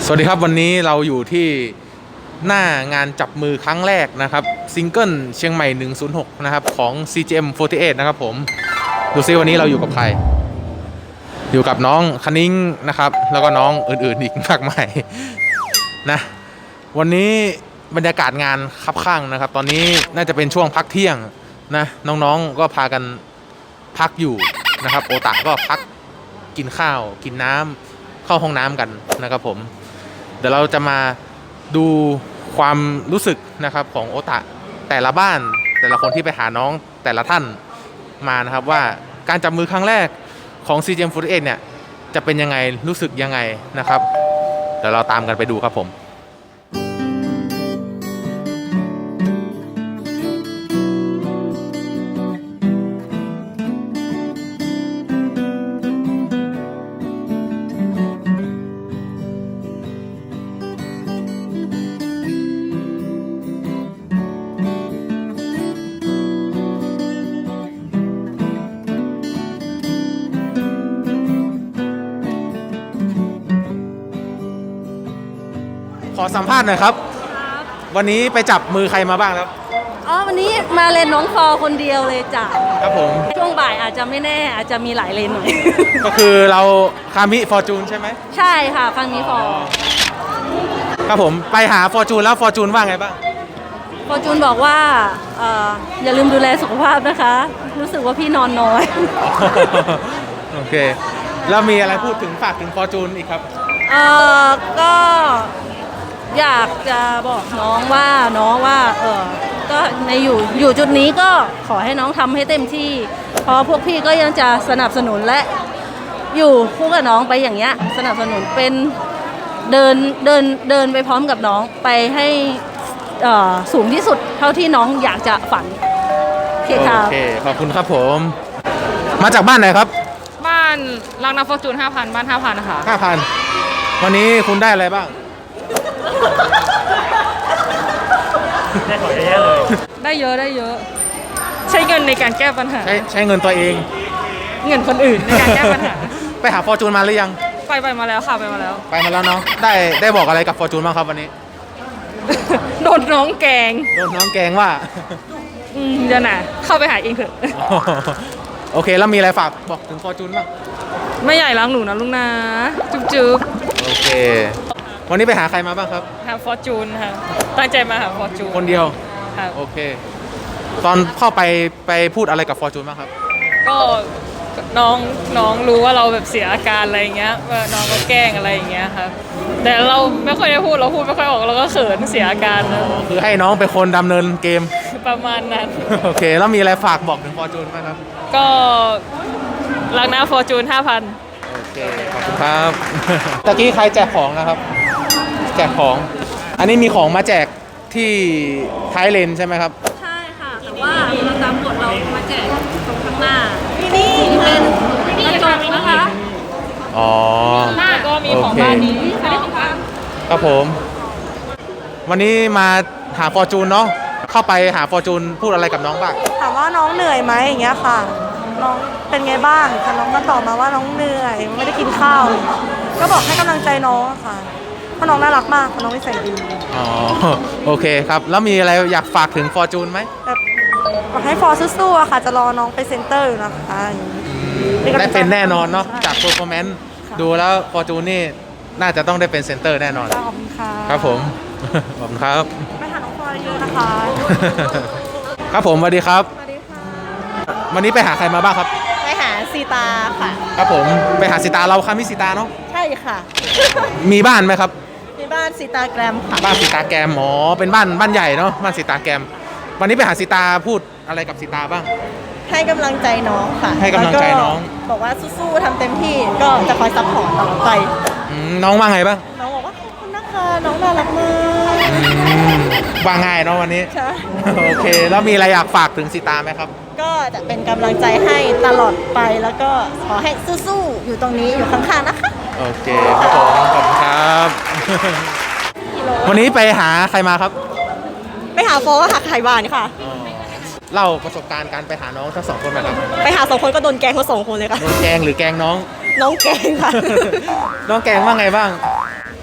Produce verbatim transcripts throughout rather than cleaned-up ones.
สวัสดีครับวันนี้เราอยู่ที่หน้างานจับมือครั้งแรกนะครับซิงเกิลเชียงใหม่หนึ่งศูนย์หกนะครับของ ซี จี เอ็ม สี่สิบแปดนะครับผมดูซิวันนี้เราอยู่กับใครอยู่กับน้องคณิ้งนะครับแล้วก็น้องอื่นๆอีกมากมายนะวันนี้บรรยากาศงานคับข้างนะครับตอนนี้น่าจะเป็นช่วงพักเที่ยงนะน้องๆก็พากันพักอยู่นะครับโอตะก็พักกินข้าวกินน้ำเข้าห้องน้ำกันนะครับผมเดี๋ยวเราจะมาดูความรู้สึกนะครับของโอตะแต่ละบ้านแต่ละคนที่ไปหาน้องแต่ละท่านมานะครับว่าการจับมือครั้งแรกของ ซี จี เอ็ม สี่สิบแปดเนี่ยจะเป็นยังไงรู้สึกยังไงนะครับเดี๋ยวเราตามกันไปดูครับผมขอสัมภาษณ์หน่อยครับวันนี้ไปจับมือใครมาบ้างครับอ๋อวันนี้มาเลนน้องฟอคนเดียวเลยจ้ะครับผมช่วงบ่ายอาจจะไม่แน่อาจจะมีหลายเลนหน่อยก็คือเราคามิฟอร์จูนใช่ไหมใช่ค่ะครั้งนี้ฟอครับผมไปหาฟอร์จูนแล้วฟอร์จูนว่าไงบ้างฟอร์จูนบอกว่าเอ่ออย่าลืมดูแลสุขภาพนะคะรู้สึกว่าพี่นอนน้อยโอเคแล้วมีอะไรพูดถึงฝากถึงฟอร์จูนอีกครับเอ่อก็อยากจะบอกน้องว่าน้องว่าเออก็ในอยู่อยู่จุดนี้ก็ขอให้น้องทำให้เต็มที่เพราะพวกพี่ก็ยังจะสนับสนุนและอยู่คู่กับน้องไปอย่างเงี้ยสนับสนุนเป็นเดินเดินเดินไปพร้อมกับน้องไปให้เอ่อสูงที่สุดเท่าที่น้องอยากจะฝันโอเคค่ะโอเคขอบคุณครับผมมาจากบ้านไหนครับบ้านรังนาฟอร์จูนห้าพันบ้านห้าพันนะคะห้าพันวันนี้คุณได้อะไรบ้างได้ของเยอะเลยได้เยอะได้เยอะใช้เงินในการแก้ปัญหาใช้ใช้เงินตัวเองเงินคนอื่นในการแก้ปัญหาไปหาฟอร์จูนมาหรือยังไปไปมาแล้วค่ะไปมาแล้วไปมาแล้วเนาะได้ได้บอกอะไรกับฟอร์จูนบ้างครับวันนี้โดนน้องแกงโดนน้องแกงว่าอืมเดี๋ยวนะเข้าไปหาเองเถอะโอเคแล้วมีอะไรฝากบอกถึงฟอร์จูนบ้างไม่ใหญ่ล้างหนูนะลุงนะจุ๊บจุ๊บโอเควันนี้ไปหาใครมาบ้างครับหาฟอร์จูนค่ะตั้งใจมาหาฟอร์จูนคนเดียวค่ะโอเคตอนเข้าไปไปพูดอะไรกับฟอร์จูนบ้างครับก็น้องน้องรู้ว่าเราแบบเสียอาการอะไรอย่างเงี้ยว่าน้องก็แกล้งอะไรอย่างเงี้ยครับแต่เราไม่ค่อยได้พูดเราพูดไม่ค่อยออกเราก็เขินเสียอาการนะคือให้น้องเป็นคนดำเนินเกมประมาณนั้นโอเคแล้วมีอะไรฝากบอกถึงฟอร์จูนบ้างครับก็รักนะฟอร์จูนห้าพันโอเคขอบคุณครับตะกี้ใครแจกของนะครับแจกของอันนี้มีของมาแจกที่ท้ายเลนใช่ไหมครับใช่ค่ะแต่ว่าเราตามกฎเรามาแจกตรงข้างหน้านี่เป็นกระจกนะคะอ๋อหน้าก็มีของบ้านนี้อันนี้ของบ้านครับผมวันนี้มาหาฟอร์จูนเนาะเข้าไปหาฟอร์จูนพูดอะไรกับน้องบ้างถามว่าน้องเหนื่อยไหมอย่างเงี้ยค่ะน้องเป็นไงบ้างค่ะน้องก็ตอบมาว่าน้องเหนื่อยไม่ได้กินข้าวก็บอกให้กำลังใจน้องค่ะเพราะน้องน่ารักมากน้องนิสัยดีอ๋อโอเคครับแล้วมีอะไรอยากฝากถึงฟอร์จูนไหมแบบบอกให้ฟอร์สู้ๆอะค่ะจะรอน้องไปเซ็นเตอร์อยู่นะคะได้เป็นแน่นอนเนาะจากโปรโมชั่นดูแล้วฟอร์จูนนี่น่าจะต้องได้เป็นเซ็นเตอร์แน่นอนขอบคุณค่ะครับผมขอบคุณครับไปหาน้องฟอร์เยอะนะคะครับผมสวัสดีครับสวัสดีค่ะวันนี้ไปหาใครมาบ้างครับไปหาซีตาค่ะครับผมไปหาซีตาเราค่ะมีซีตาเนาะใช่ค่ะมีบ้านไหมครับมีบ้านซีตาแกรมค่ะบ้านซีตาแกรมอ๋อเป็นบ้านบ้านใหญ่เนาะบ้านซีตาแกรมวันนี้ไปหาซีตาพูดอะไรกับซีตาบ้างให้กำลังใจน้องค่ะให้กำลังใจน้องบอกว่าสู้ๆทำเต็มที่ก็จะคอยซัพพอร์ตตลอดไปน้องว่าไงบ้างน้องบอกว่าขอบคุณนะคะน้องน่ารักมากว่าง่ายเนาะวันนี้ใช่โอเคแล้วมีอะไรอยากฝากถึงซีตาไหมครับก็จะเป็นกำลังใจให้ตลอดไปแล้วก็ขอให้สู้ๆอยู่ตรงนี้อยู่ข้างๆนะคะโอเคครับผมขอบคุณครับวันนี้ไปหาใครมาครับไปหาโฟก็หาไข่บานค่ะเล่าประสบการณ์การไปหาน้องทั้งสองคนไหมครับไปหาสองคนก็โดนแกงทั้งสองคนเลยค่ะโดนแกงหรือแกงน้องน้องแกงค่ะน้องแกงว่าไงบ้าง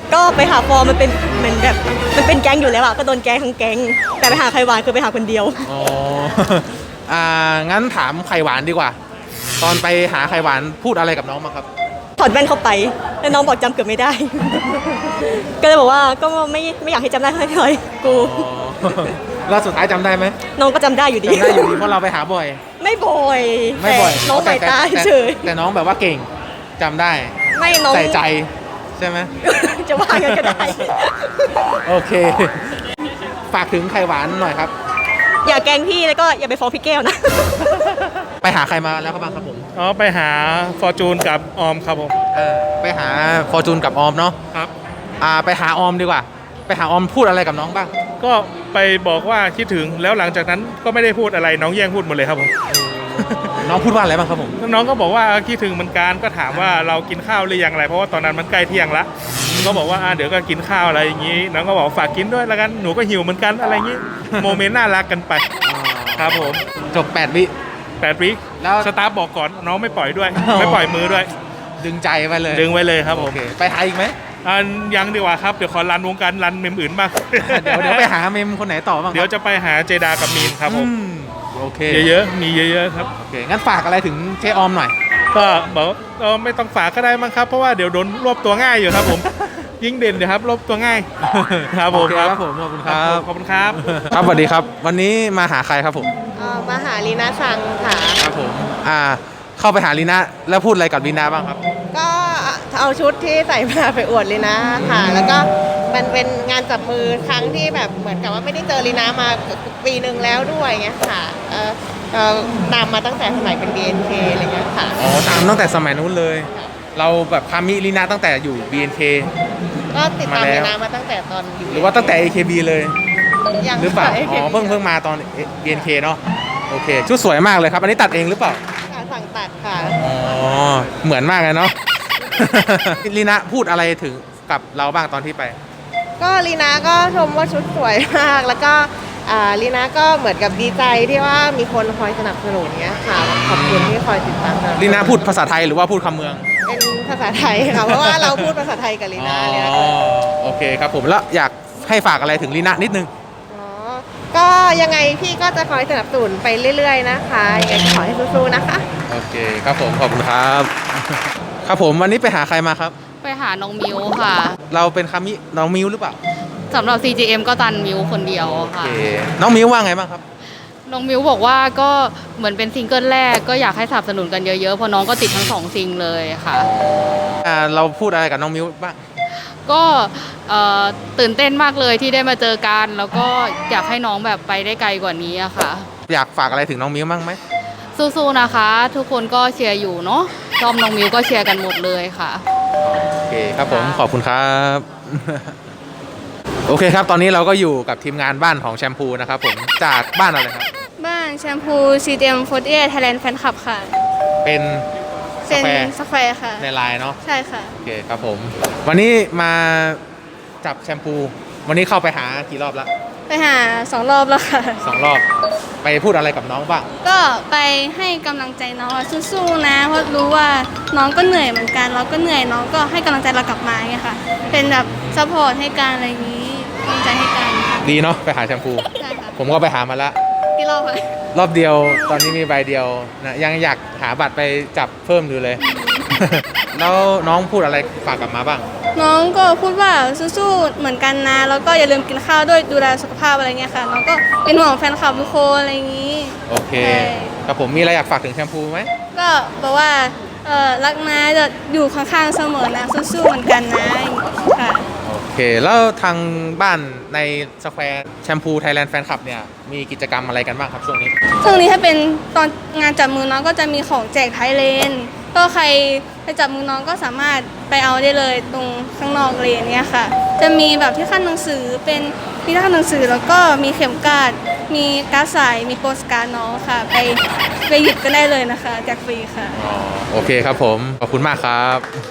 ก็ไปหาฟอร์มมันเป็นเหมือนแบบมันเป็นแก๊งอยู่แล้วอะก็โดนแก๊งทั้งแก๊งแต่ไปหาไข่หวานคือไปหาคนเดียวอ๋อ อ่า งั้นถามไข่หวานดีกว่า ตอนไปหาไข่หวานพูดอะไรกับน้องมางครับถอดแว่นเข้าไปแล้วน้องบอกจำเกือบไม่ได้ ก็เลยบอกว่าก็ไม่ไม่อยากให้จำได้เท่าไหร่กูอ๋อ แล้วสุดท้ายจำได้ไหมน้องก็จำได้อยู่ดีจำได้อยู่ดีเพราะเราไปหาบ่อยไม่บ่อยไม่บ่อยแต่น้องสายตาแต่เฉยแต่น้องแบบว่าเก่งจำได้ไม่น้องใส่ใจใช่ไหมจะว่ากันก็ได้โอเค ฝากถึงไข่หวานหน่อยครับอย่าแกล้งพี่แล้วก็อย่าไปฟ้องพี่แก้วนะไปหาใครมาแล้วครับบ้างครับผมอ๋อไปหาฟอร์จูนกับออมครับผมเออไปหาฟอร์จูนกับออมเนาะครับอ่า ไปหาออมดีกว่า ไปหาออมพูดอะไรกับน้องบ้างก็ไปบอกว่าคิดถึงแล้วหลังจากนั้นก็ไม่ได้พูดอะไรน้องแย่งพูดหมดเลยครับผมน้องพูดว่าอะไรบ้างครับผมน้องก็บอกว่าคิดถึงเหมือนกันก็ถามว่าเรากินข้าวหรือยังอะไรเพราะว่าตอนนั้นมันใกล้เที่ยงละก็บอกว่าอ่ะเดี๋ยวก็กินข้าวอะไรอย่างนี้น้องก็บอกฝากกินด้วยแล้วกันหนูก็หิวเหมือนกันอะไรอย่างนี้ โมเมนต์น่ารักกันไปครับผมจบแปดวิแปดวิแล้วสตาฟบอกก่อนน้องไม่ปล่อยด้วย ไม่ปล่อยมือด้วยดึงใจไปเลยดึงไว้เลยครับผโอมเค ไปหาอีกไหมอันยังดีกว่าครับเดี๋ยวขอรันวงการรันเมมอื่นบ้างเดี๋ยวเดี๋ยวไปหาเมมคนไหนต่อบ้างครับเดี๋ยวจะไปหาเจดากับมีนครับผมอืมโอเคเยอะๆ มีเยอะๆครับโอเค งั้นฝากอะไรถึงเจ๊ออมหน่อยก็บอกว่าเออไม่ต้องฝากก็ได้มั้งครับ เพราะว่าเดี๋ยวโดนรวบตัวง่ายอยู่ครับผม ยิ่งเด่นเดี๋ยวครับรวบตัวง่าย ครับผมโอเคครับผม ขอบคุณครับขอบคุณครับครับสวัสดีครับ วันนี้มาหาใครครับผมเอ่อมาหาลีน่าซังค่ะครับผม อ่า เข้าไปหาลีน่าแล้วพูดอะไรกับลีน่าบ้างครับก็เอาชุดที่ใส่มาไปอวดลีน่าค่ะ แล้วก็มันเป็นงานจับมือครั้งที่แบบเหมือนกับว่าไม่ได้เจอลีน่ามาปีหนึ่งแล้วด้วยเงี้ยค่ะเอ่อเอ่อตามมาตั้งแต่สมัยเป็น บี เอ็น เค อะไรเงี้ยค่ะอ๋อ ตามตั้งแต่สมัยนู้นเลย เราแบบพามิลีน่าตั้งแต่อยู่ บี เอ็น เคก็ติดตามมาแล้วลีน่ามาตั้งแต่ตอนอยู่หรือว่าตั้งแต่ เอ เค บี เลยยังหรือเปล่าค่ะอ๋อ เพิ่งเพิ่งมาตอน บี เอ็น เค เนาะ โอเค ชุดสวยมากเลยครับ อันนี้ตัดเองหรือเปล่าสั่งตัดค่ะอ๋อ เหมือนมากเลยเนาะ ลีน่าพูดอะไรถึงกับเราบ้างตอนที่ไปก็ลีน่าก็ชมว่าชุดสวยมาก แล้วก็อ่าลีน่าก็เหมือนกับดีใจที่ว่ามีคนคอยสนับสนุนเงี้ยค่ะขอบคุณที่คอยติดตามเราลีน่าพูดภาษาไทยหรือว่าพูดคำเมืองเป็นภาษาไทยค่ะ เพราะว่าเราพูดภาษาไทยกับลีน่าเนี่ยอ๋อ โอเคครับผม แล้วอยากให้ฝากอะไรถึงลีน่านิดนึงอ๋อก็ยังไงพี่ก็จะคอยสนับสนุนไปเรื่อยๆนะคะยังไงก็ขอให้สู้ๆนะคะโอเคครับผม ขอบคุณครับ ครับผม วันนี้ไปหาใครมาครับไปหาน้องมิวค่ะเราเป็นคามิน้องมิวหรือเปล่าสำหรับ ซี จี เอ็ม ก็ตันมิวคนเดียวโอค่ะเค น้องมิวว่าไงบ้างครับน้องมิวบอกว่าก็เหมือนเป็นซิงเกิลแรกก็อยากให้สนับสนุนกันเยอะๆเพราะน้องก็ติดทั้งสองซิงเลยค่ะอ่า เราพูดอะไรกับน้องมิวบ้างก็เอ่อตื่นเต้นมากเลยที่ได้มาเจอกัน แล้วก็อยากให้น้องแบบไปได้ไกลกว่านี้อะค่ะอยากฝากอะไรถึงน้องมิวบ้างไหมสู้ๆนะคะ ทุกคนก็เชียร์อยู่เนาะชอบน้องมิวก็เชียร์กันหมดเลยค่ะโอเคครับผม ขอบคุณครับ โอเคครับ ตอนนี้เราก็อยู่กับทีมงานบ้านของแชมพูนะครับผม จากบ้านอะไรครับบ้านแชมพู ซี จี เอ็ม สี่สิบแปด Thailand Fan Club ค่ะเป็นสเป็นแควร์สแควร์ค่ะในไลน์เนาะใช่ค่ะโอเคครับผม วันนี้มาจับแชมพู วันนี้เข้าไปหากี่รอบละไปหาสองรอบแล้วค่ะสองรอบ ไปพูดอะไรกับน้องบ้างก็ไปให้กำลังใจน้องว่าสู้ๆนะ เพราะรู้ว่าน้องก็เหนื่อยเหมือนกัน เราก็เหนื่อยน้องก็ให้กำลังใจเรากลับมาไงค่ะ เป็นแบบซัพพอร์ตให้กันอะไรอย่างนี้กำลังใจให้กันค่ะดีเนาะไปหาแชมพูใช่ค่ะผมก็ไปหามาละกี่รอบค่ะรอบเดียว ตอนนี้มีใบเดียวนะยังอยากหาบัตรไปจับเพิ่มอยู่เลย แล้วน้องพูดอะไรฝากกลับมาบ้างน้องก็พูดว่าสู้ๆเหมือนกันนะ แล้วก็อย่าลืมกินข้าวด้วยดูแลสุขภาพอะไรเงี้ยค่ะ น้องก็เป็นห่วงแฟนคลับทุกคนอะไรอย่างนี้โอเคใช่ครับผมมีอะไรอยากฝากถึงแชมพูไหมก็บอกว่าเออรักนะจะอยู่ข้างๆเสมอนะสู้ๆเหมือนกันนะค่ะโอเค แล้วทางบ้านในสแควร์แชมพูไทยแลนด์แฟนคลับเนี่ย มีกิจกรรมอะไรกันบ้างครับช่วงนี้ช่วงนี้ถ้าเป็นตอนงานจับมือน้องก็จะมีของแจกไทยเลนก็ใครไปจับมือน้องก็สามารถไปเอาได้เลยตรงข้างนอกเลนเนี่ยค่ะ จะมีแบบที่ขั้นหนังสือเป็นมีที่ขั้นหนังสือแล้วก็มีเข็มกลัดมีการ์ดใสมีโปสการ์ดน้องค่ะ ไปไปหยิบกันได้เลยนะคะแจกฟรีค่ะอ๋อ โอเคครับผม ขอบคุณมากครับ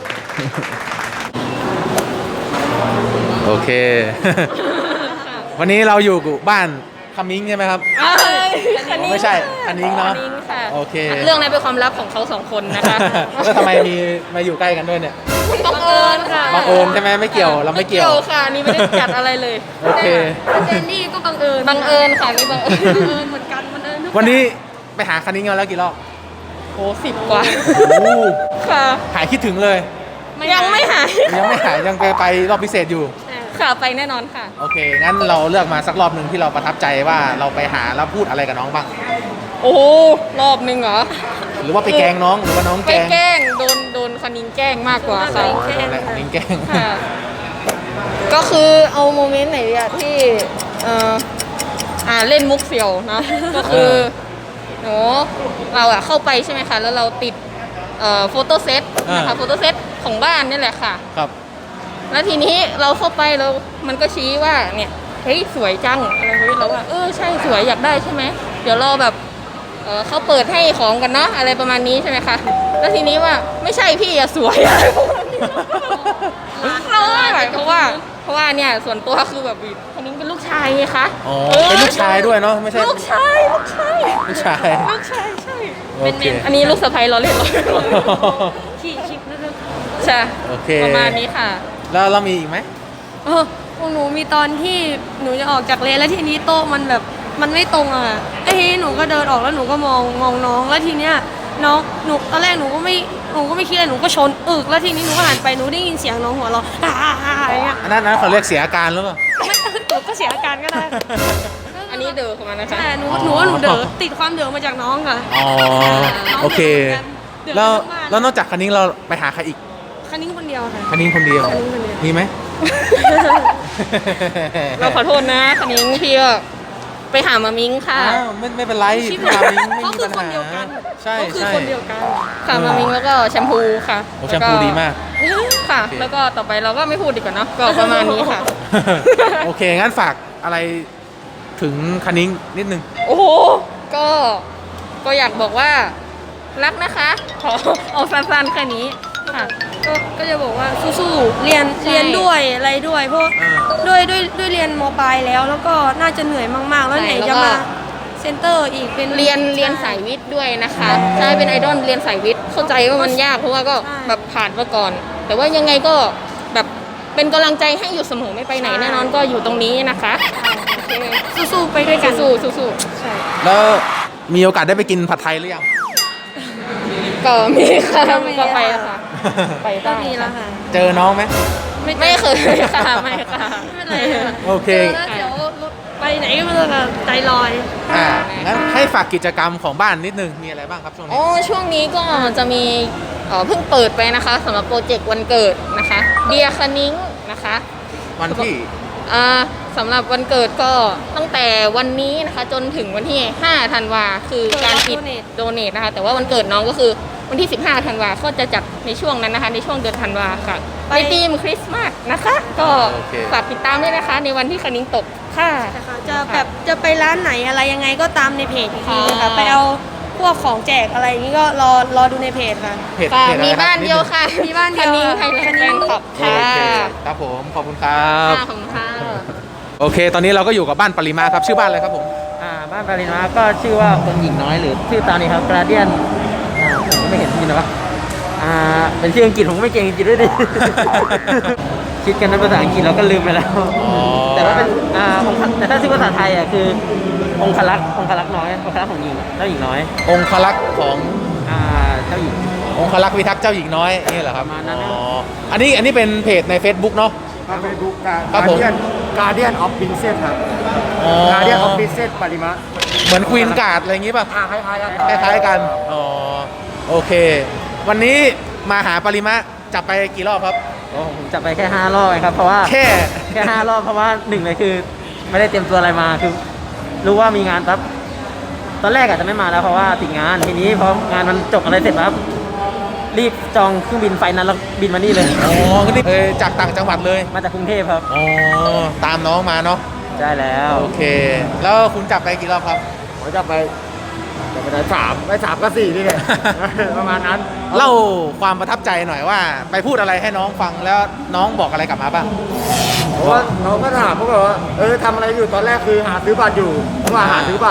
โอเค วันนี้เราอยู่กับบ้านคามิงใช่ไหมครับ ไม่ใช่คันนิ้งเนาะโอเคเรื่องนั้นเป็นความลับของเขาสองคนนะคะแล้วทำไมมีมาอยู่ใกล้กันด้วยเนี่ยบังเอิญค่ะบังเอิญใช่ไหมไม่เกี่ยวเราไม่เกี่ยวค่ะนี่ไม่ได้จัดอะไรเลยโอเคเจนนี่ก็บังเอิญบังเอิญค่ะนี่บังเอิญบังเอิญเหมือนกันบังเอิญทุกวันนี้ไปหาคันนี้กันแล้วกี่รอบโอ้สิบกว่าโอ้ค่ะหายคิดถึงเลยยังไม่หายยังไม่หายยังไปไปรอบพิเศษอยู่ค่ะไปแน่นอนค่ะโอเค งั้นเราเลือกมาสักรอบหนึ่งที่เราประทับใจว่าเราไปหาแล้วพูดอะไรกับน้องบ้างโอ้รอบหนึ่งเหรอหรือว่าไปแกล้งน้องหรือว่าน้องไปแกล้งแกล้งโดนโดนคณิงแกล้งมากกว่าค่ะอ๋อโดนแหละนิ้งแกล้งค่ะก็คือเอาโมเมนต์ไหนดีอะที่เอ่ออ่าเล่นมุกเสี่ยวนะ ก็คือหนูเราอะเข้าไปใช่ไหมคะแล้วเราติดเอ่อโฟโต้เซตนะคะโฟโต้เซตของบ้านนี่แหละค่ะครับแล้วทีนี้เราเข้าไปแล้วมันก็ชี้ว่าเนี่ยเฮ้ยสวยจังอะไรเฮ้ยเราว่าเออใช่สวยอยากได้ใช่ไหมเดี๋ยวเราแบบเออเขาเปิดให้ของกันเนาะอะไรประมาณนี้ใช่ไหมคะแล้วทีนี้ว่าไม่ใช่พี่อะสวยอะไรประมาณนี้เราไม่ไหวเพราะว่าเพราะว่าเนี่ยส่วนตัวคือแบบคนนี้เป็นลูกชายไงคะอ๋อ เป็นลูกชายด้วยเนาะไม่ใช่ลูกชายลูกชายลูกชายลูกชายใช่โอเคอันนี้ลูกสะใภ้เราเล่นเราเล่นขี่ชิปนิดนึงใช่โอเคประมาณนี้ค่ะแล้วเรามีอีกไหมเออพวกหนูมีตอนที่หนูจะออกจากเลนแล้วทีนี้โต๊ะมันแบบมันไม่ตรงอ่ะไอ้ทีนี้หนูก็เดินออกแล้วหนูก็มองมองน้องแล้วทีเนี้ยน้องหนูตอนแรกหนูก็ไม่หนูก็ไม่คิดอะไรหนูก็ชนอึกแล้วทีนี้หนูก็หันไปหนูได้ยินเสียงน้องหัวเราะอ่าอ่าอ่าอะไรเงี้ยอันนั้นนั้นเขาเรียกเสียอาการหรือเปล่าไม่หนูก็เสียอาการก็ได้อันนี้เดินของมันนะคะแต่หนูหนูว่าหนูเด๋อติดความเด๋อมาจากน้องค่ะอ๋อ โอเคเด๋อแล้วทั้งบ้านแล้วนอกจากคันนี้เราไปหาใครอีกคันนี้คนเดียวค่ะคันนี้คนเดียวคันนี้คนเดียวมีไหมเราขอโทษนะคันนิ้งพี่ก็ไปหามามิงค่ะอ้าวไม่ไม่เป็นไรชิบพี่หามาย มิงไม่เขามีคือปัญคนหาเดียวกันใช่เขาคือใช่คนเดียวกันค่ะมามิงแล้วก็แชมพูค่ะโอ้แชมพูดีมากค่ะโอเคแล้วก็ต่อไปเราก็ไม่พูดดีกว่าเนอะก็ประมาณนี้ค่ะโอเค งั้นฝากอะไรถึงคันนิ้งนิดนึงโอ้โห ก็ ก็อยากบอกว่ารักนะคะ ขอเอาสั้นๆแค่นี้ค่ะก็ก็จะบอกว่าสู้ๆเรียนใช่เรียนด้วยอะไรด้วย เพราะอ่าด้วยด้วยด้วยเรียนมปลายแล้ว แล้วก็น่าจะเหนื่อยมากๆ แล้วไหนจะมาเซ็นเตอร์อีกเป็นเรียนเรียนสายวิทย์ด้วยนะคะใช่เป็นไอดอลเรียนสายวิทย์เข้าใจว่ามันยากเพราะว่าก็ใช่แบบผ่านมาก่อน แต่ว่ายังไงก็แบบเป็นกำลังใจให้อยู่เสมอไม่ไปไหนแน่นอนก็อยู่ตรงนี้นะคะโอเคสู้ๆไปด้วยกันสู้ๆสู้แล้วมีโอกาสได้ไปกินผัดไทยหรือยังๆก็มีค่ะก็ไปค่ะ ไปก็ได้มีแล้วค่ะเจอน้องไหมไม่เคยค่ะไม่ค่ะไม่เป็นไรค่ะโอเคเจอแล้วเดี๋ยวไปไหนก็ไม่รู้ค่ะใจลอยอ่า งั้นให้ฝากกิจกรรมของบ้านนิดนึง มีอะไรบ้างครับช่วงอ๋นี้อช่วงนี้ก็จะมีเอ่อเพิ่งเปิดไปนะคะสำหรับโปรเจกต์วันเกิดนะคะเดียคณิ้งนะคะวันที่อ่าสำหรับวันเกิดก็ตั้งแต่วันนี้นะคะจนถึงวันที่ห้าธันวาคือการปิด Donate โดเนทนะคะแต่ว่าวันเกิดน้องก็คือวันที่สิบห้าธันวาก็จะจัดในช่วงนั้นนะคะในช่วงเดือนธันวาค่ะไปในธีมคริสต์มาสนะคะ ก็โอเคฝากติดตามด้วยนะคะ ในวันที่คณิ้งตกค่ะนะคะจะแบบจะไปร้านไหนอะไรยังไงก็ตามในเพจอีกทีค่ะค่ะไปเอาพวกของแจกอะไรอย่างนี้ก็รอรอดูในเพจค่ะเพจค่ะเพจอะไรมีครับบ้านเดียวค่ะมีบ้านเดียวคณิ้งไทยแลนด์แฟนคลับโอค่ะเคครับผม ขอบคุณครับค่ะขอบคุณค่ะโอเค ตอนนี้เราก็อยู่กับบ้านปริมาครับ ชื่อบ้านอะไรครับผมอ่าบ้านปารินาก็ชื่อว่าคนหญิงน้อยหรือชื่อตามนี้ครับกราเดียนอ่าผมก็ไม่เห็นจริงนะวะอ่าเป็นชื่ออังกฤษผมก็ไม่เก่งอังกฤษด้วยดิ คิดกันในภาษาอังกฤษเราก็ลืมไปแล้ว แต่ว่าเป็นอ่าองค์แต่ถ้าชื่อภาษาไทยอ่ะคือองคลักษ์องคลักษ์น้อยองคลักษ์ของหญิงเจ้าหญิงน้อยองคลักษ์ของอ่าเจ้าหญิงองคลักษ์พิทักษ์เจ้าหญิงน้อยนี่เหรอครับประมาณนั้นนะอ๋อ อันนี้อันนี้เป็นเพจใน Facebook เนาะครับเฟซบุ๊กกาครับผมเดียนการเดียนออฟพินเซสครับอ๋อการเดียนออฟพินเซสปริมะเหมือนควีนการ์ดอะไรอย่างงี้ป่ะอ่าคล้ายๆกันคล้ายๆกัน อ๋อ โอเค วันนี้มาหาปริมะจับไปกี่รอบครับโอ้ผมจับไปแค่ห้ารอบเองครับเพราะว่าแค่แค่ห้ารอบเพราะว่าหนึ่งเลยคือ ไม่ได้เตรียมตัวอะไรมาคือ รู้ว่ามีงานปั๊บตอนแรกอาจจะไม่มาแล้วเพราะว่าติดงานทีนี้พองานมันจบอะไรเสร็จปั๊บรีบจองเครื่องบินไฟนั้นแล้วบินมานี่เลยอ๋อก็นี่เออจากต่างจังหวัดเลยมาจากกรุงเทพครับอ๋อ ตามน้องมาเนาะใช่แล้วโอเค แล้วคุณจับไปกี่รอบครับผมจะไปจะไปได้สามไม่สามก็สี่นี่แหละ ประมาณนั้นเล่าความประทับใจหน่อยว่า ไปพูดอะไรให้น้องฟังแล้วน้องบอกอะไรกลับมาบ้างเพราะว่าน้องก็ถามพวกเราว่าเออทำอะไรอยู่ตอนแรกคือหาซื้อบัตรอยู่ผมว่าหาซื้อบัตร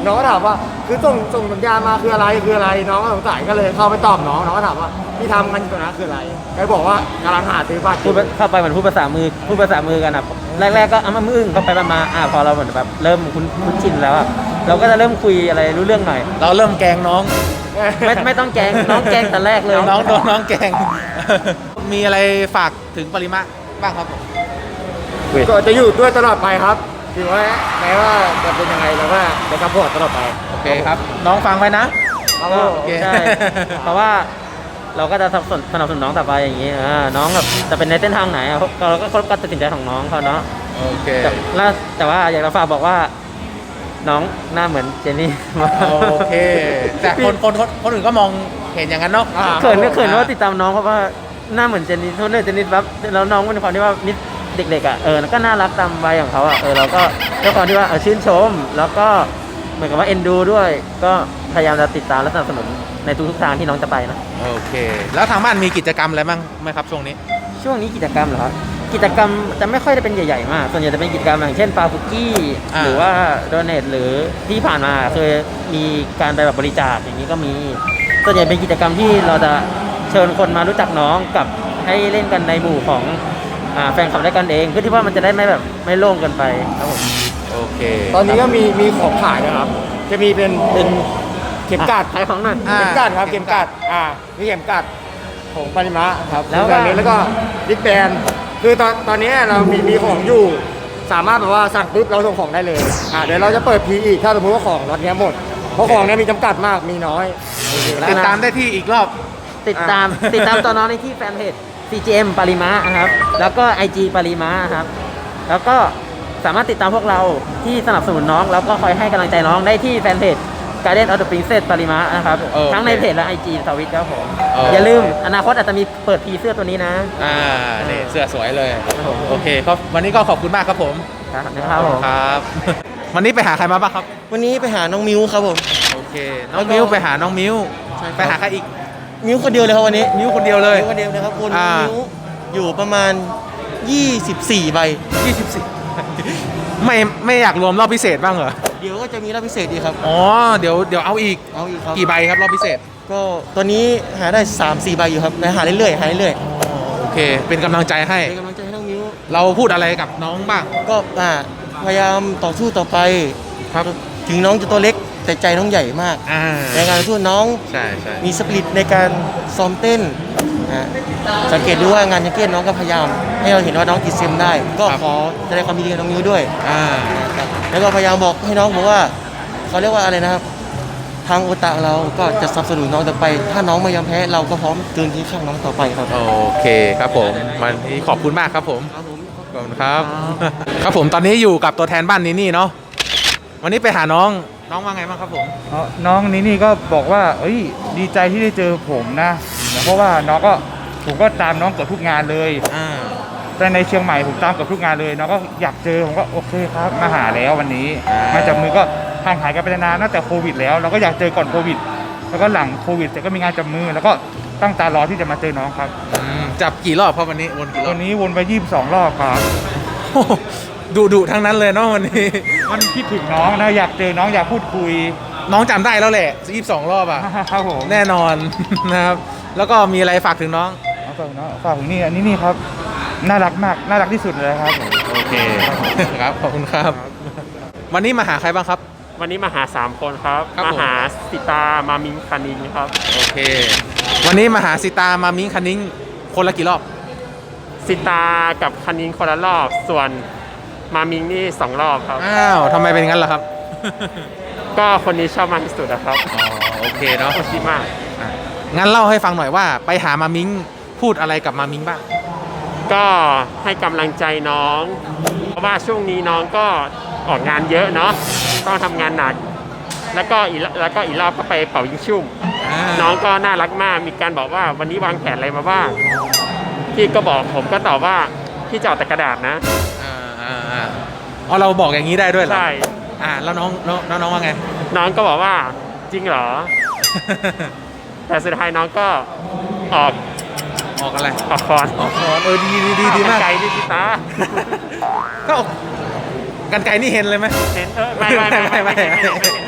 น้องก็ถามว่าคือส่งส่งสัญญาณมาคืออะไรคืออะไรน้องก็สงสัยก็เลยเข้าไปตอบน้องน้องก็ถามว่าที่ทำกันอยู่ตรงนั้นคืออะไรก็บอกว่ากำลังหาซื้อบัตรพูดเข้าไปเหมือนพูดภาษามือพูดภาษามือกันอ่ะแรกๆก็อ้ำอึ้งเข้าไปมาอ่าพอเราเหมือนแบบเริ่มคุ้นคุ้นชินแล้วอ่ะเราก็จะเริ่มคุยอะไรรู้เรื่องหน่อยเราเริ่มแกล้งน้องไม่ไม่ต้องแกล้งน้องแกล้งแต่แรกเลยน้องโดนน้องแกล้ง มีอะไรฝากถึงปริมะบ้างครับผมก็จะอยู่ด้วยตลอดไปครับถือว่าแม้ว่าจะเป็นยังไงเราก็จะซัพพอร์ตตลอดไปโอเคครับ น้องฟังไว้นะครับก็โอเคใช่เพราะว่าเราก็จะสนับสนุนสนับสนุนน้องต่อไปอย่างนี้อ่าน้องแบบจะเป็นในเส้นทางไหนอ่ะเราก็ก็ตัดสินใจของน้องเขาเนาะโอเคแต่แล้วแต่ว่าอยากจะฝากบอกว่าน้องหน้าเหมือนเจนนี่โอเค แต่คนคนคนคนอื่นก็มองเห็นอย่างนั้นเนาะเขินก็เขินว่าติดตามน้องเพราะว่าหน้าเหมือนเจนนี่ทุกเรื่องเจนนี่ปั๊บแล้วน้องเป็นความที่ว่านิดเด็กๆอ่ะเออแล้วก็น่ารักตามวัยของเขาอ่ะเออเราก็ด้วยความที่ว่าเออชื่นชม แล้วก็เหมือนกับว่าเอ็นดูด้วย ก็พยายามจะติดตามและสนับสนุนในทุกๆทางที่น้องจะไปนะโอเค แล้วทางบ้านมีกิจกรรมอะไรบ้างไหมครับช่วงนี้ช่วงนี้กิจกรรมเหรอครับกิจกรรมจะไม่ค่อยได้เป็นใหญ่ๆมากส่วนใหญ่จะเป็นกิจกรรมอย่างเช่นปาฟุกี้อ่าหรือว่าโดเนทหรือที่ผ่านมาเคยมีการไปแบบบริจาคอย่างนี้ก็มีส่วนใหญ่เป็นกิจกรรมที่เราจะเชิญคนมารู้จักน้องกับให้เล่นกันในหมู่ของอ่าแฟนคลับด้วยกันเองเพื่อที่ว่ามันจะได้ไม่แบบไม่โล่งเกินไปครับผมโอเคตอนนี้ก็มีมีของขายนะครับ จะมีเป็นเป็นเข็มกัดขายของหน่อยอ่าเข็มกัดครับเข็มกัดอ่ามีเข็มกัดของปริมะครับแล้วก็แบบนี้แล้วก็ดิสแบนคือตอนตอนนี้เรามีมีของอยู่ สามารถแบบว่าสั่งปุ๊บเราส่งของได้เลยอ่าเดี๋ยวเราจะเปิดพีอีกถ้าสมมติว่าของรถเนี้ยหมดเพราะของเนี้ยมีจำกัดมากมีน้อยติดตามได้ที่อีกรอบติดตามติดตามตัวน้องในที่แฟนเพจ ซี จี เอ็ม ปริมะนะครับแล้วก็ ไอ จี ปริมะครับแล้วก็สามารถติดตามพวกเราที่สนับสนุนน้องแล้วก็คอยให้กำลังใจน้องได้ที่แฟนเพจ Guardian of the Princess ปริมะนะครับโอเคทั้งในเพจและ ไอ จี ทวิตครับผมโอเคอย่าลืมอนาคตอาจจะมีเปิดพีเสื้อตัวนี้นะอ่านี่เสื้อสวยเลยครับผมโอเคครับวันนี้ก็ขอบคุณมากครับผมครับนะครับผมครับ วันนี้ไปหาใครมาบ้างครับวันนี้ไปหาน้องมิวครับผมโอเค น้องมิ้วไปหาน้องมิ้วใช่ครับไปหาใครอีกมิวคนเดียวเลยครับวันนี้มิ้วคนเดียวเลยมิวคนเดียวเลยครับคุณอ่ามิวอยู่ประมาณยี่สิบสี่ใบยี่สิบสี่ ไม่ไม่อยากรวมรอบพิเศษบ้างเหรอเดี๋ยวก็จะมีรอบพิเศษดีครับอ๋อ เดี๋ยวเดี๋ยวเอาอีกเอาอีกครับกี่ใบครับรอบพิเศษก็ตอนนี้หาได้สามสี่ใบอยู่ครับหาเรื่อยๆหาเรื่อยโอเค เป็นกำลังใจให้ๆเป็นกำลังใจให้น้องมิวเราพูดอะไรกับน้องบ้างก็อ่าพยายามต่อสู้ต่อไปครับถึงน้องจะตัวเล็กแต่ใจน้องใหญ่มากอ่าในการสู้น้องใช่ใช่มีสปิริตในการซ้อมเต้นอ่าสังเกตดูว่างานยังเก้นน้องก็พยายาม ให้เราเห็นว่าน้องติดเซมได้ ก็ขอแสดงความยินดีกับน้องมิวด้วยอ่านะครับแล้วก็พยายามบอกให้น้องบอกว่าเขาเรียกว่าอะไรนะครับ ทางโอตาเราก็จะสนับสนุนน้องต่อไป ถ้าน้องไม่ยอมแพ้เราก็พร้อมเดินที่ข้างน้องต่อไปครับโอเคครับผมวันนี้ขอบคุณมากครับผมครับผมขอบคุณครับ ครับผมตอนนี้อยู่กับตัวแทนบ้านนี้นี่เนาะ วันนี้ไปหาน้อง น้องว่าไงบ้างครับผมอ๋อน้องนี่นี่ก็บอกว่า เอ้ย ดีใจที่ได้เจอผมนะ เพราะว่าน้องก็ผมก็ตามน้องเกือบทุกงานเลยอ่าแต่ในเชียงใหม่ผมตามเกือบทุกงานเลย น้องก็อยากเจอ ผมก็โอเคครับ มาหาแล้ววันนี้อ่ามมาจับมือก็ห่างหายกันไปนานตั้งแต่โควิดแล้ว เราก็อยากเจอก่อนโควิด แล้วก็หลังโควิดแต่ก็มีงานจับมือ แล้วก็ตั้งตารอที่จะมาเจอน้องครับอืมจับกี่รอบครับวันนี้วนกี่รอวับนนี้วนไปยี่สิบสองรอบครับดุดุทั้งนั้นเลยเนาะวันนี้มันคิดถึงน้องนะอยากเจอน้องอยากพูดคุยน้องจำได้แล้วแหละยี่สิบสองรอบอ่ะครับผมแน่นอน นะครับ แล้วก็มีอะไรฝากถึงน้องเอาฝากน้องฝากถึงนี่อันนี้นี่ครับ น่ารักมาก น่ารักที่สุดเลยครับผมโอเค ครับ ขอบคุณครับ วันนี้มาหาใครบ้างครับวันนี้มาหาสามคนครับครับมาผมหาสิตา มามิงคานิงครับโอเค วันนี้มาหาสิตามามิ้งคันนิ้งคนละกี่รอบสิตากับคานิงคนละรอบ ส่วนมามิงนี่สองรอบครับอ้าวทำไมเป็นงั้นล่ะครับก็คนนี้ชอบมากที่สุดนะครับอ๋อ โอเคเนาะโอชิมากอ่ะงั้นเล่าให้ฟังหน่อยว่า ไปหามามิ้งพูดอะไรกับมามิ้งบ้างก็ให้กำลังใจน้อง เพราะว่าช่วงนี้น้องก็ออกงานเยอะเนาะ ต้องทำงานหนัก แล้วก็อีกแล้วก็อีกรอบก็ไปเป่ายิงชุ่มอ่าน้องก็น่ารักมาก มีการบอกว่าวันนี้วางแผนอะไรมาบ้าง พี่ก็บอกผมก็ตอบว่าพี่จะเอาแต่กระดาษนะอ่าอ่าอ่าอ๋อเราบอกอย่างนี้ได้ด้วยเหรอใช่อ่าแล้วน้องน้องน้องน้องว่าไงน้องก็บอกว่าจริงเหรอ แต่สุดท้ายน้องก็ออกออกอะไรออกคอนออกคอนเออดีดีดีดีมากไกลนี่พี่ตาก็ออกกันไกลนี่เห็นเลยไหมเห็นเออไม่ไม่ไม่ไม่ไม่ไม่ไม่เห็น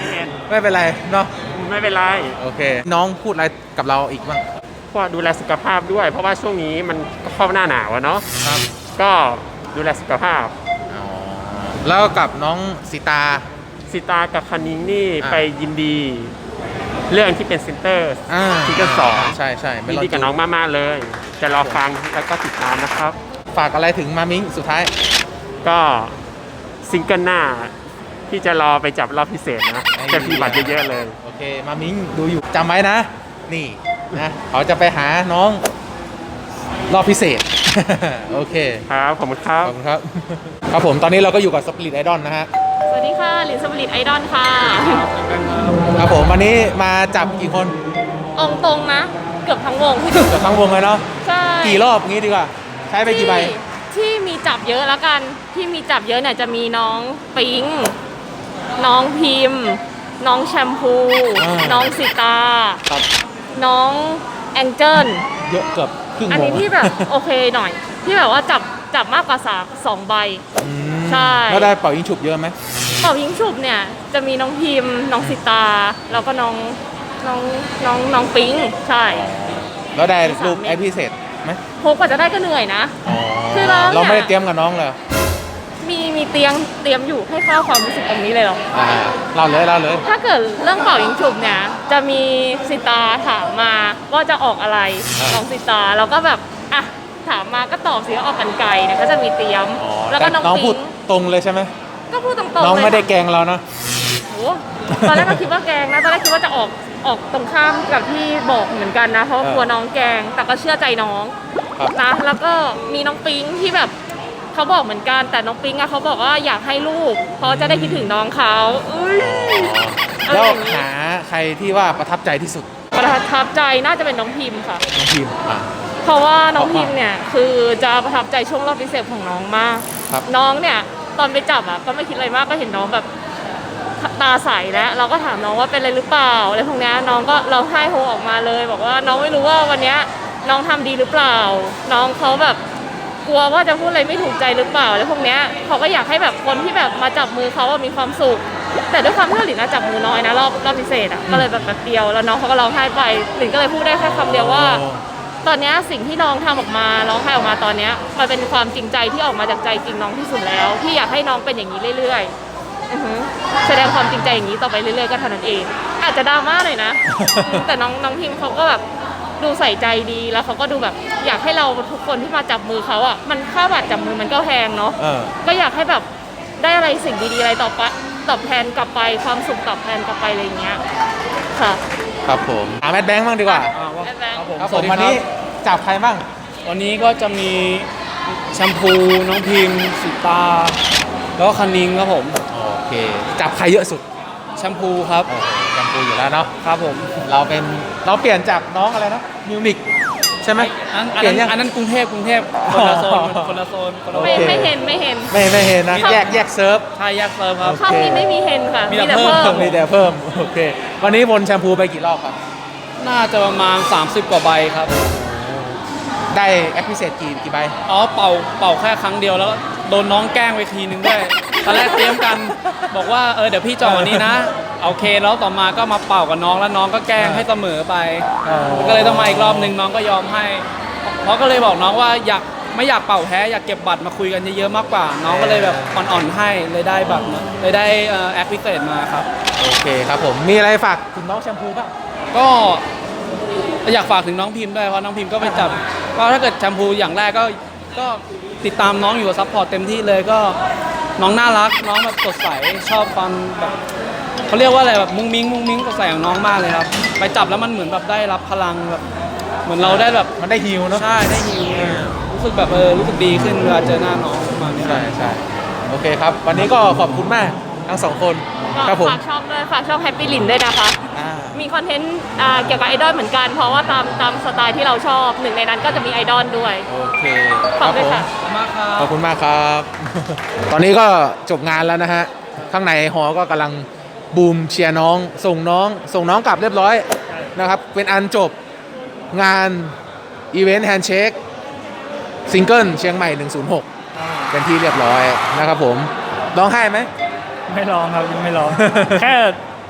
ไม่เป็นไรเนาะไม่เป็นไรโอเค น้องพูดอะไรกับเราอีกบ้างก็ดูแลสุขภาพด้วย เพราะว่าช่วงนี้มันก็เข้าหน้าหนาวอะเนาะครับก็ดูแลสุขภาพแล้วกับน้องสิตาสิตากับคณิงนี่อ่าไปยินดี เรื่องที่เป็นเซนเตอร์อ่าซิงเกิลสองใช่ใช่ไม่ยินรอดีกับน้องมากๆเลย จะรอฟังแล้วก็ติดตามนะครับฝากอะไรถึงมามิงสุดท้ายก็ซิงเกิลหน้าที่จะรอไปจับรอบพิเศษนะไอ้จะมีบัตรเยอะๆเลยโอเค มามิงดูอยู่จำไว้นะ นี่นะเขาจะไปหาน้องรอบพิเศษ โอเคครับขอบคุณครับขอบคุณครับ ครับผมตอนนี้เราก็อยู่กับสปิริตไอดอลนะฮะสวัสดีค่ะหลินสมริตไอดอลค่ะครับผมวันนี้มาจับกี่คนองตรงนะ เกือบทั้งวงเกือบทั้งวงเลยเนาะใช่กี่รอบงี้ดีกว่า ใช้ไปกี่ใบที่ที่มีจับเยอะแล้วกัน ที่มีจับเยอะเนี่ยจะมีน้องปิง น้องพิมพ์ น้องแชมพูอ่าน้องสิตาครับน้องแองเจิลเยอะเกือบครึ่งวงอันนี้ที่แบบ โอเคหน่อย ที่แบบว่าจับจับมากกว่าสามสองใบอืมใช่แล้วได้เป่ายิงฉุบเยอะไหมเป่ายิงฉุบเนี่ยจะมีน้องพิมพ์ น้องสิตา แล้วก็น้องน้องน้องน้องปิง ใช่แล้วได้รูปสามเม็ดไอพิเศษไหมโหกว่าจะได้ก็เหนื่อยนะอ๋อคือเราเนี่ยเราไม่ได้เตรียมกับน้องเลยมีมีเตียงเตรียมอยู่ให้เข้าความรู้สึกตรงนี้เลยเหรออ่าเล่าเลยเล่าเลยถ้าเกิดเรื่องเป่ายิงฉุบเนี่ยจะมีสิตาถามมาว่าจะออกอะไรอ่าน้องสิตาเราก็แบบอ่ะถามมาก็ตอบสิว่าออกกันไกลเนี่ยก็จะมีเตรียมอ๋อแล้วก็น้องน้องปิพูดงตรงเลยใช่ไหมก็พูดตรงๆเลยน้องไม่ได้แกล้งเรานะโหตอนแรกก็คิดว่าแกล้งนะตอนแรกคิดว่าจะออกออกตรงข้ามกับที่บอกเหมือนกันนะ เพราะว่ากลัวน้องแกล้งแต่ก็เชื่อใจน้องครับนะแล้วก็มีน้องปิงที่แบบเขาบอกเหมือนกันแต่น้องปิงอะเขาบอกว่าอยากให้ลูกเพราะจะได้คิดถึงน้องเขาอุ้ยแล้วอะไรอย่างงี้หาใครที่ว่าประทับใจที่สุดประทับใจน่าจะเป็นน้องพิมพ์ค่ะน้องพิมพ์อ่ะเพราะว่าน้องพิมพ์เนี่ยคือจะประทับใจช่วงรอบพิเศษของน้องมากครับน้องเนี่ยตอนไปจับอ่ะก็ไม่คิดอะไรมากก็เห็นน้องแบบตาใสแล้วเราก็ถามน้องว่าเป็นอะไรหรือเปล่าอะไรพวกเนี้ยน้องก็เราให้โฮออกมาเลย บอกว่าน้องไม่รู้ว่าวันเนี้ยน้องทำดีหรือเปล่า น้องเขาแบบกลัวว่าจะพูดอะไรไม่ถูกใจหรือเปล่าอะไรพวกเนี้ยเขาก็อยากให้แบบคนที่แบบมาจับมือเขาอะมีความสุข แต่ด้วยความที่หลินนะจับมือน้อยนะรอบรอบพิเศษอ่ะก็เลยแบบแป๊บเดียวแล้วน้องเขาก็ร้องไห้ไปหลินก็เลยพูดได้แค่คำเดียวว่า ตอนเนี้ยสิ่งที่น้องทำออกมาร้องไห้ออกมาตอนเนี้ยมันเป็นความจริงใจที่ออกมาจากใจจริงน้องที่สุดแล้วที่อยากให้น้องเป็นอย่างนี้เรื่อยๆอือหือแสดงความจริงใจอย่างนี้ต่อไปเรื่อยๆก็เท่านั้นเอง อาจจะดราม่าหน่อยนะ แต่น้องน้องพิมเขาก็แบบดูใส่ใจดีแล้วเขาก็ดูแบบอยากให้เราทุกคนที่มาจับมือเขาอ่ะมันค่าบัตรจับมือมันก็แพงเนาะเออก็อยากให้แบบได้อะไรสิ่งดีๆอะไรตอบปะตอบแทนกลับไปความสุขตอบแทนกลับไปอะไรอย่างเงี้ยค่ะครับผมหาแมทแบงค์บ้างดีกว่าแบงค์ครับผมวันนี้จับใครบ้างวันนี้ก็จะมีแชมพูน้องพิมพ์สิตา แล้วก็คันนิงครับผมโอเค จับใครเยอะสุดแชมพูครับโอ้โหแชมพูอยู่แล้วเนาะครับผมเราเป็นเราเปลี่ยนจากน้องอะไรนะมิวนิกใช่ไหมอันเปลี่ยนนั้ยันงอันนั้นกรุงเทพกรุงเทพคนละโซนคนละโซนคนละโซไม่นไม่เห็นไม่เห็นไม่ไม่เห็นนะแยกแยกเซิร์ฟใช่แยกเซิร์ฟครับช่องนี้ไม่มีเห็นค่ะมีมีแต่แต่เพิ่เพิ่มมมีแต่เพิ่มโอเค วันนี้วนแชมพูไปกี่รอบครับน่าจะประมาณ สามสิบ กว่าใบครับได้แอคพิเศษกี่กี่ใบอ๋อเป่าเป่าแค่ครั้งเดียวแล้วโดนน้องแกล้งไปทีนึงด้วย ตอนแรกเตรียมกันบอกว่าเออเดี๋ยวพี่จองวันนี้นะโอเคแล้วต่อมาก็มาเป่ากับน้องแล้วน้องก็แกล้งให้เสมอไป ก็เลยต้องมาอีกรอบนึงน้องก็ยอมให้เพราะก็เลยบอกน้องว่าอยากไม่อยากเป่าแพ้อยากเก็บบัตรมาคุยกันเยอะๆมากกว่า น้องก็เลยแบบอ่อนๆให้เลยได้บัตรมาเลยได้แอคพิเศษมาครับโอเคครับผมมีอะไรฝากถึงน้องแชมพูบ้างก็อยากฝากถึงน้องพิมพ์ด้วยเพราะน้องพิมพ์ก็ไปจับก็ถ้าเกิดแชมพูอย่างแรกก็ก็ติดตามน้องอยู่ซัพพอร์ตเต็มที่เลยก็น้องน่ารักน้องแบบสดใสชอบความแบบเขาเรียกว่าอะไรแบบมุ้งมิ้งมุ้งมิ้งสดใสของน้องมากเลยครับไปจับแล้วมันเหมือนแบบได้รับพลังแบบเหมือนเราได้แบบมันได้ฮิวเนาะใช่ได้ฮิวรู้สึกแบบเออรู้สึกดีขึ้นเวลาเจอหน้าน้องประมาณนี้ใช่ใช่โอเคครับ วันนี้ก็ขอบคุณมากทั้งสองคนครับผมฝากช่องด้วยฝากช่องแฮปปี้ลินด้วยนะคะอ่ามีคอนเทนต์อ่าเกี่ยวกับไอดอลเหมือนกัน เพราะว่าตามตามสไตล์ที่เราชอบหนึ่งในนั้นก็จะมีไอดอลด้วยโอเคคฝารักบด้ผวยมค่ะขอบคุณมากครับ ตอนนี้ก็จบงานแล้วนะฮะ ข้างในหอก็กำลังบูมเชียร์น้อง ส่งน้อง ส่งน้องกลับเรียบร้อยนะครับ เป็นอันจบงานอีเวนต์แฮนด์เชคซิงเกิลเชียงใหม่หนึ่งศูนย์หกเป็นที่เรียบร้อยนะครับผมร้องไห้ไหมไม่ร้องครับยังไม่ร้อง แค่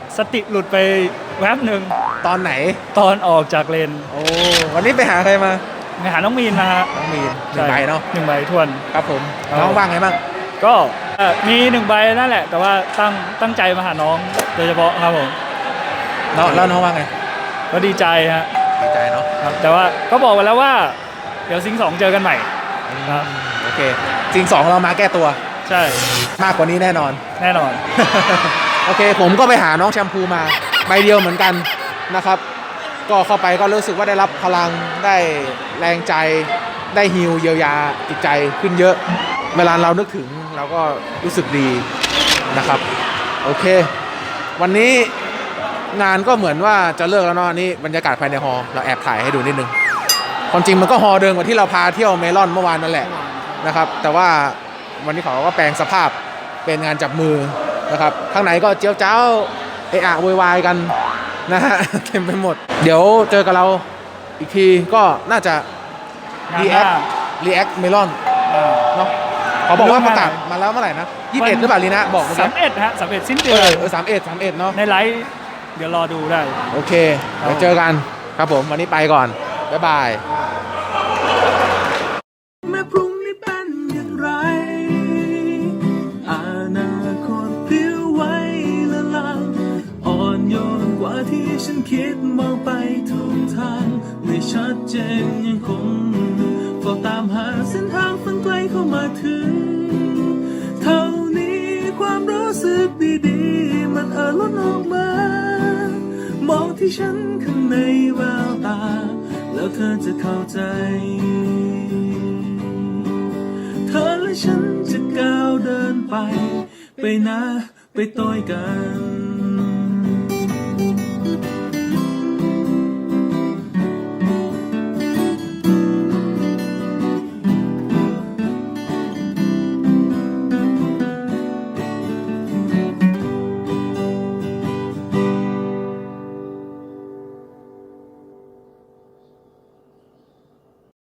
สติหลุดไปแวบหนึ่งตอนไหนตอนออกจากเลนโอ้วันนี้ไปหาใครมาไปหาน้องมีนมาฮะน้องมีนหนึ่งใบเนาะหนึ่งใบทวนครับผมน้องว่างไงบ้างก็เอ่อมีหนึ่งใบนั่นแหละ แต่ว่าตั้งตั้งใจมาหาน้องโดยเฉพาะครับผมแล้วแล้วน้องว่างไงก็ดีใจฮะดีใจเนาะครับแต่ว่าก็บอกไว้แล้วว่า เดี๋ยวซิงสองเจอกันใหม่ครับโอเคซิงสองเรามาแก้ตัวใช่มากกว่านี้แน่นอนแน่นอนโอเคผมก็ไปหาน้องแชมพูมาใบเดียวเหมือนกันนะครับ ก็เข้าไปก็รู้สึกว่าได้รับพลังได้แรงใจได้ฮีลเยียวยาจิตใจขึ้นเยอะ เวลาเรานึกถึงเราก็รู้สึกดีนะครับโอเค วันนี้งานก็เหมือนว่าจะเลิกแล้วเนาะนี่บรรยากาศภายในฮอลล์เราแอบถ่ายให้ดูนิดนึงความจริงมันก็ฮอลล์เดิมกว่าที่เราพาเที่ยวเมลอนเมื่อวานนั่นแหละนะครับแต่ว่าวันนี้เขาก็แปลงสภาพเป็นงานจับมือนะครับข้างในก็เจียวเจ้าเอะอะโวยวายกันนะฮะ เต็มไปหมด เดี๋ยวเจอกับเราอีกทีก็น่าจะ React React Melon เนาะเขาบอกว่าประกาศมาแล้วเมื่อไหร่นะยี่สิบเอ็ดหรือเปล่าลีนะบอกเมื่อกี้สามเอ็ดฮะสามเอ็ดสิ้นเดืเออนอเออสามเอ็ดสามเอ็ดเนาะในไลฟ์เดี๋ยวรอดูได้โอเคเดี๋ยวเจอกันครับผมวันนี้ไปก่อนบ๊ายบายแม้พรุ่งนี้เป็นอย่างไรอนาคตพลิ้วไหวละลางอ่อนโยนกว่าที่ฉันคิดมองไปทุกทางไม่ชัดเจนยังคงเฝ้าตามหาเส้นทางฝันไกลเข้ามาถึงเท่านี้ความรู้สึกดีๆมันเอ่อล้นออกมามองที่ฉันข้างในแววตาแล้วเธอจะเข้าใจเธอและฉันจะก้าวเดินไปไปนะไปต่อยกัน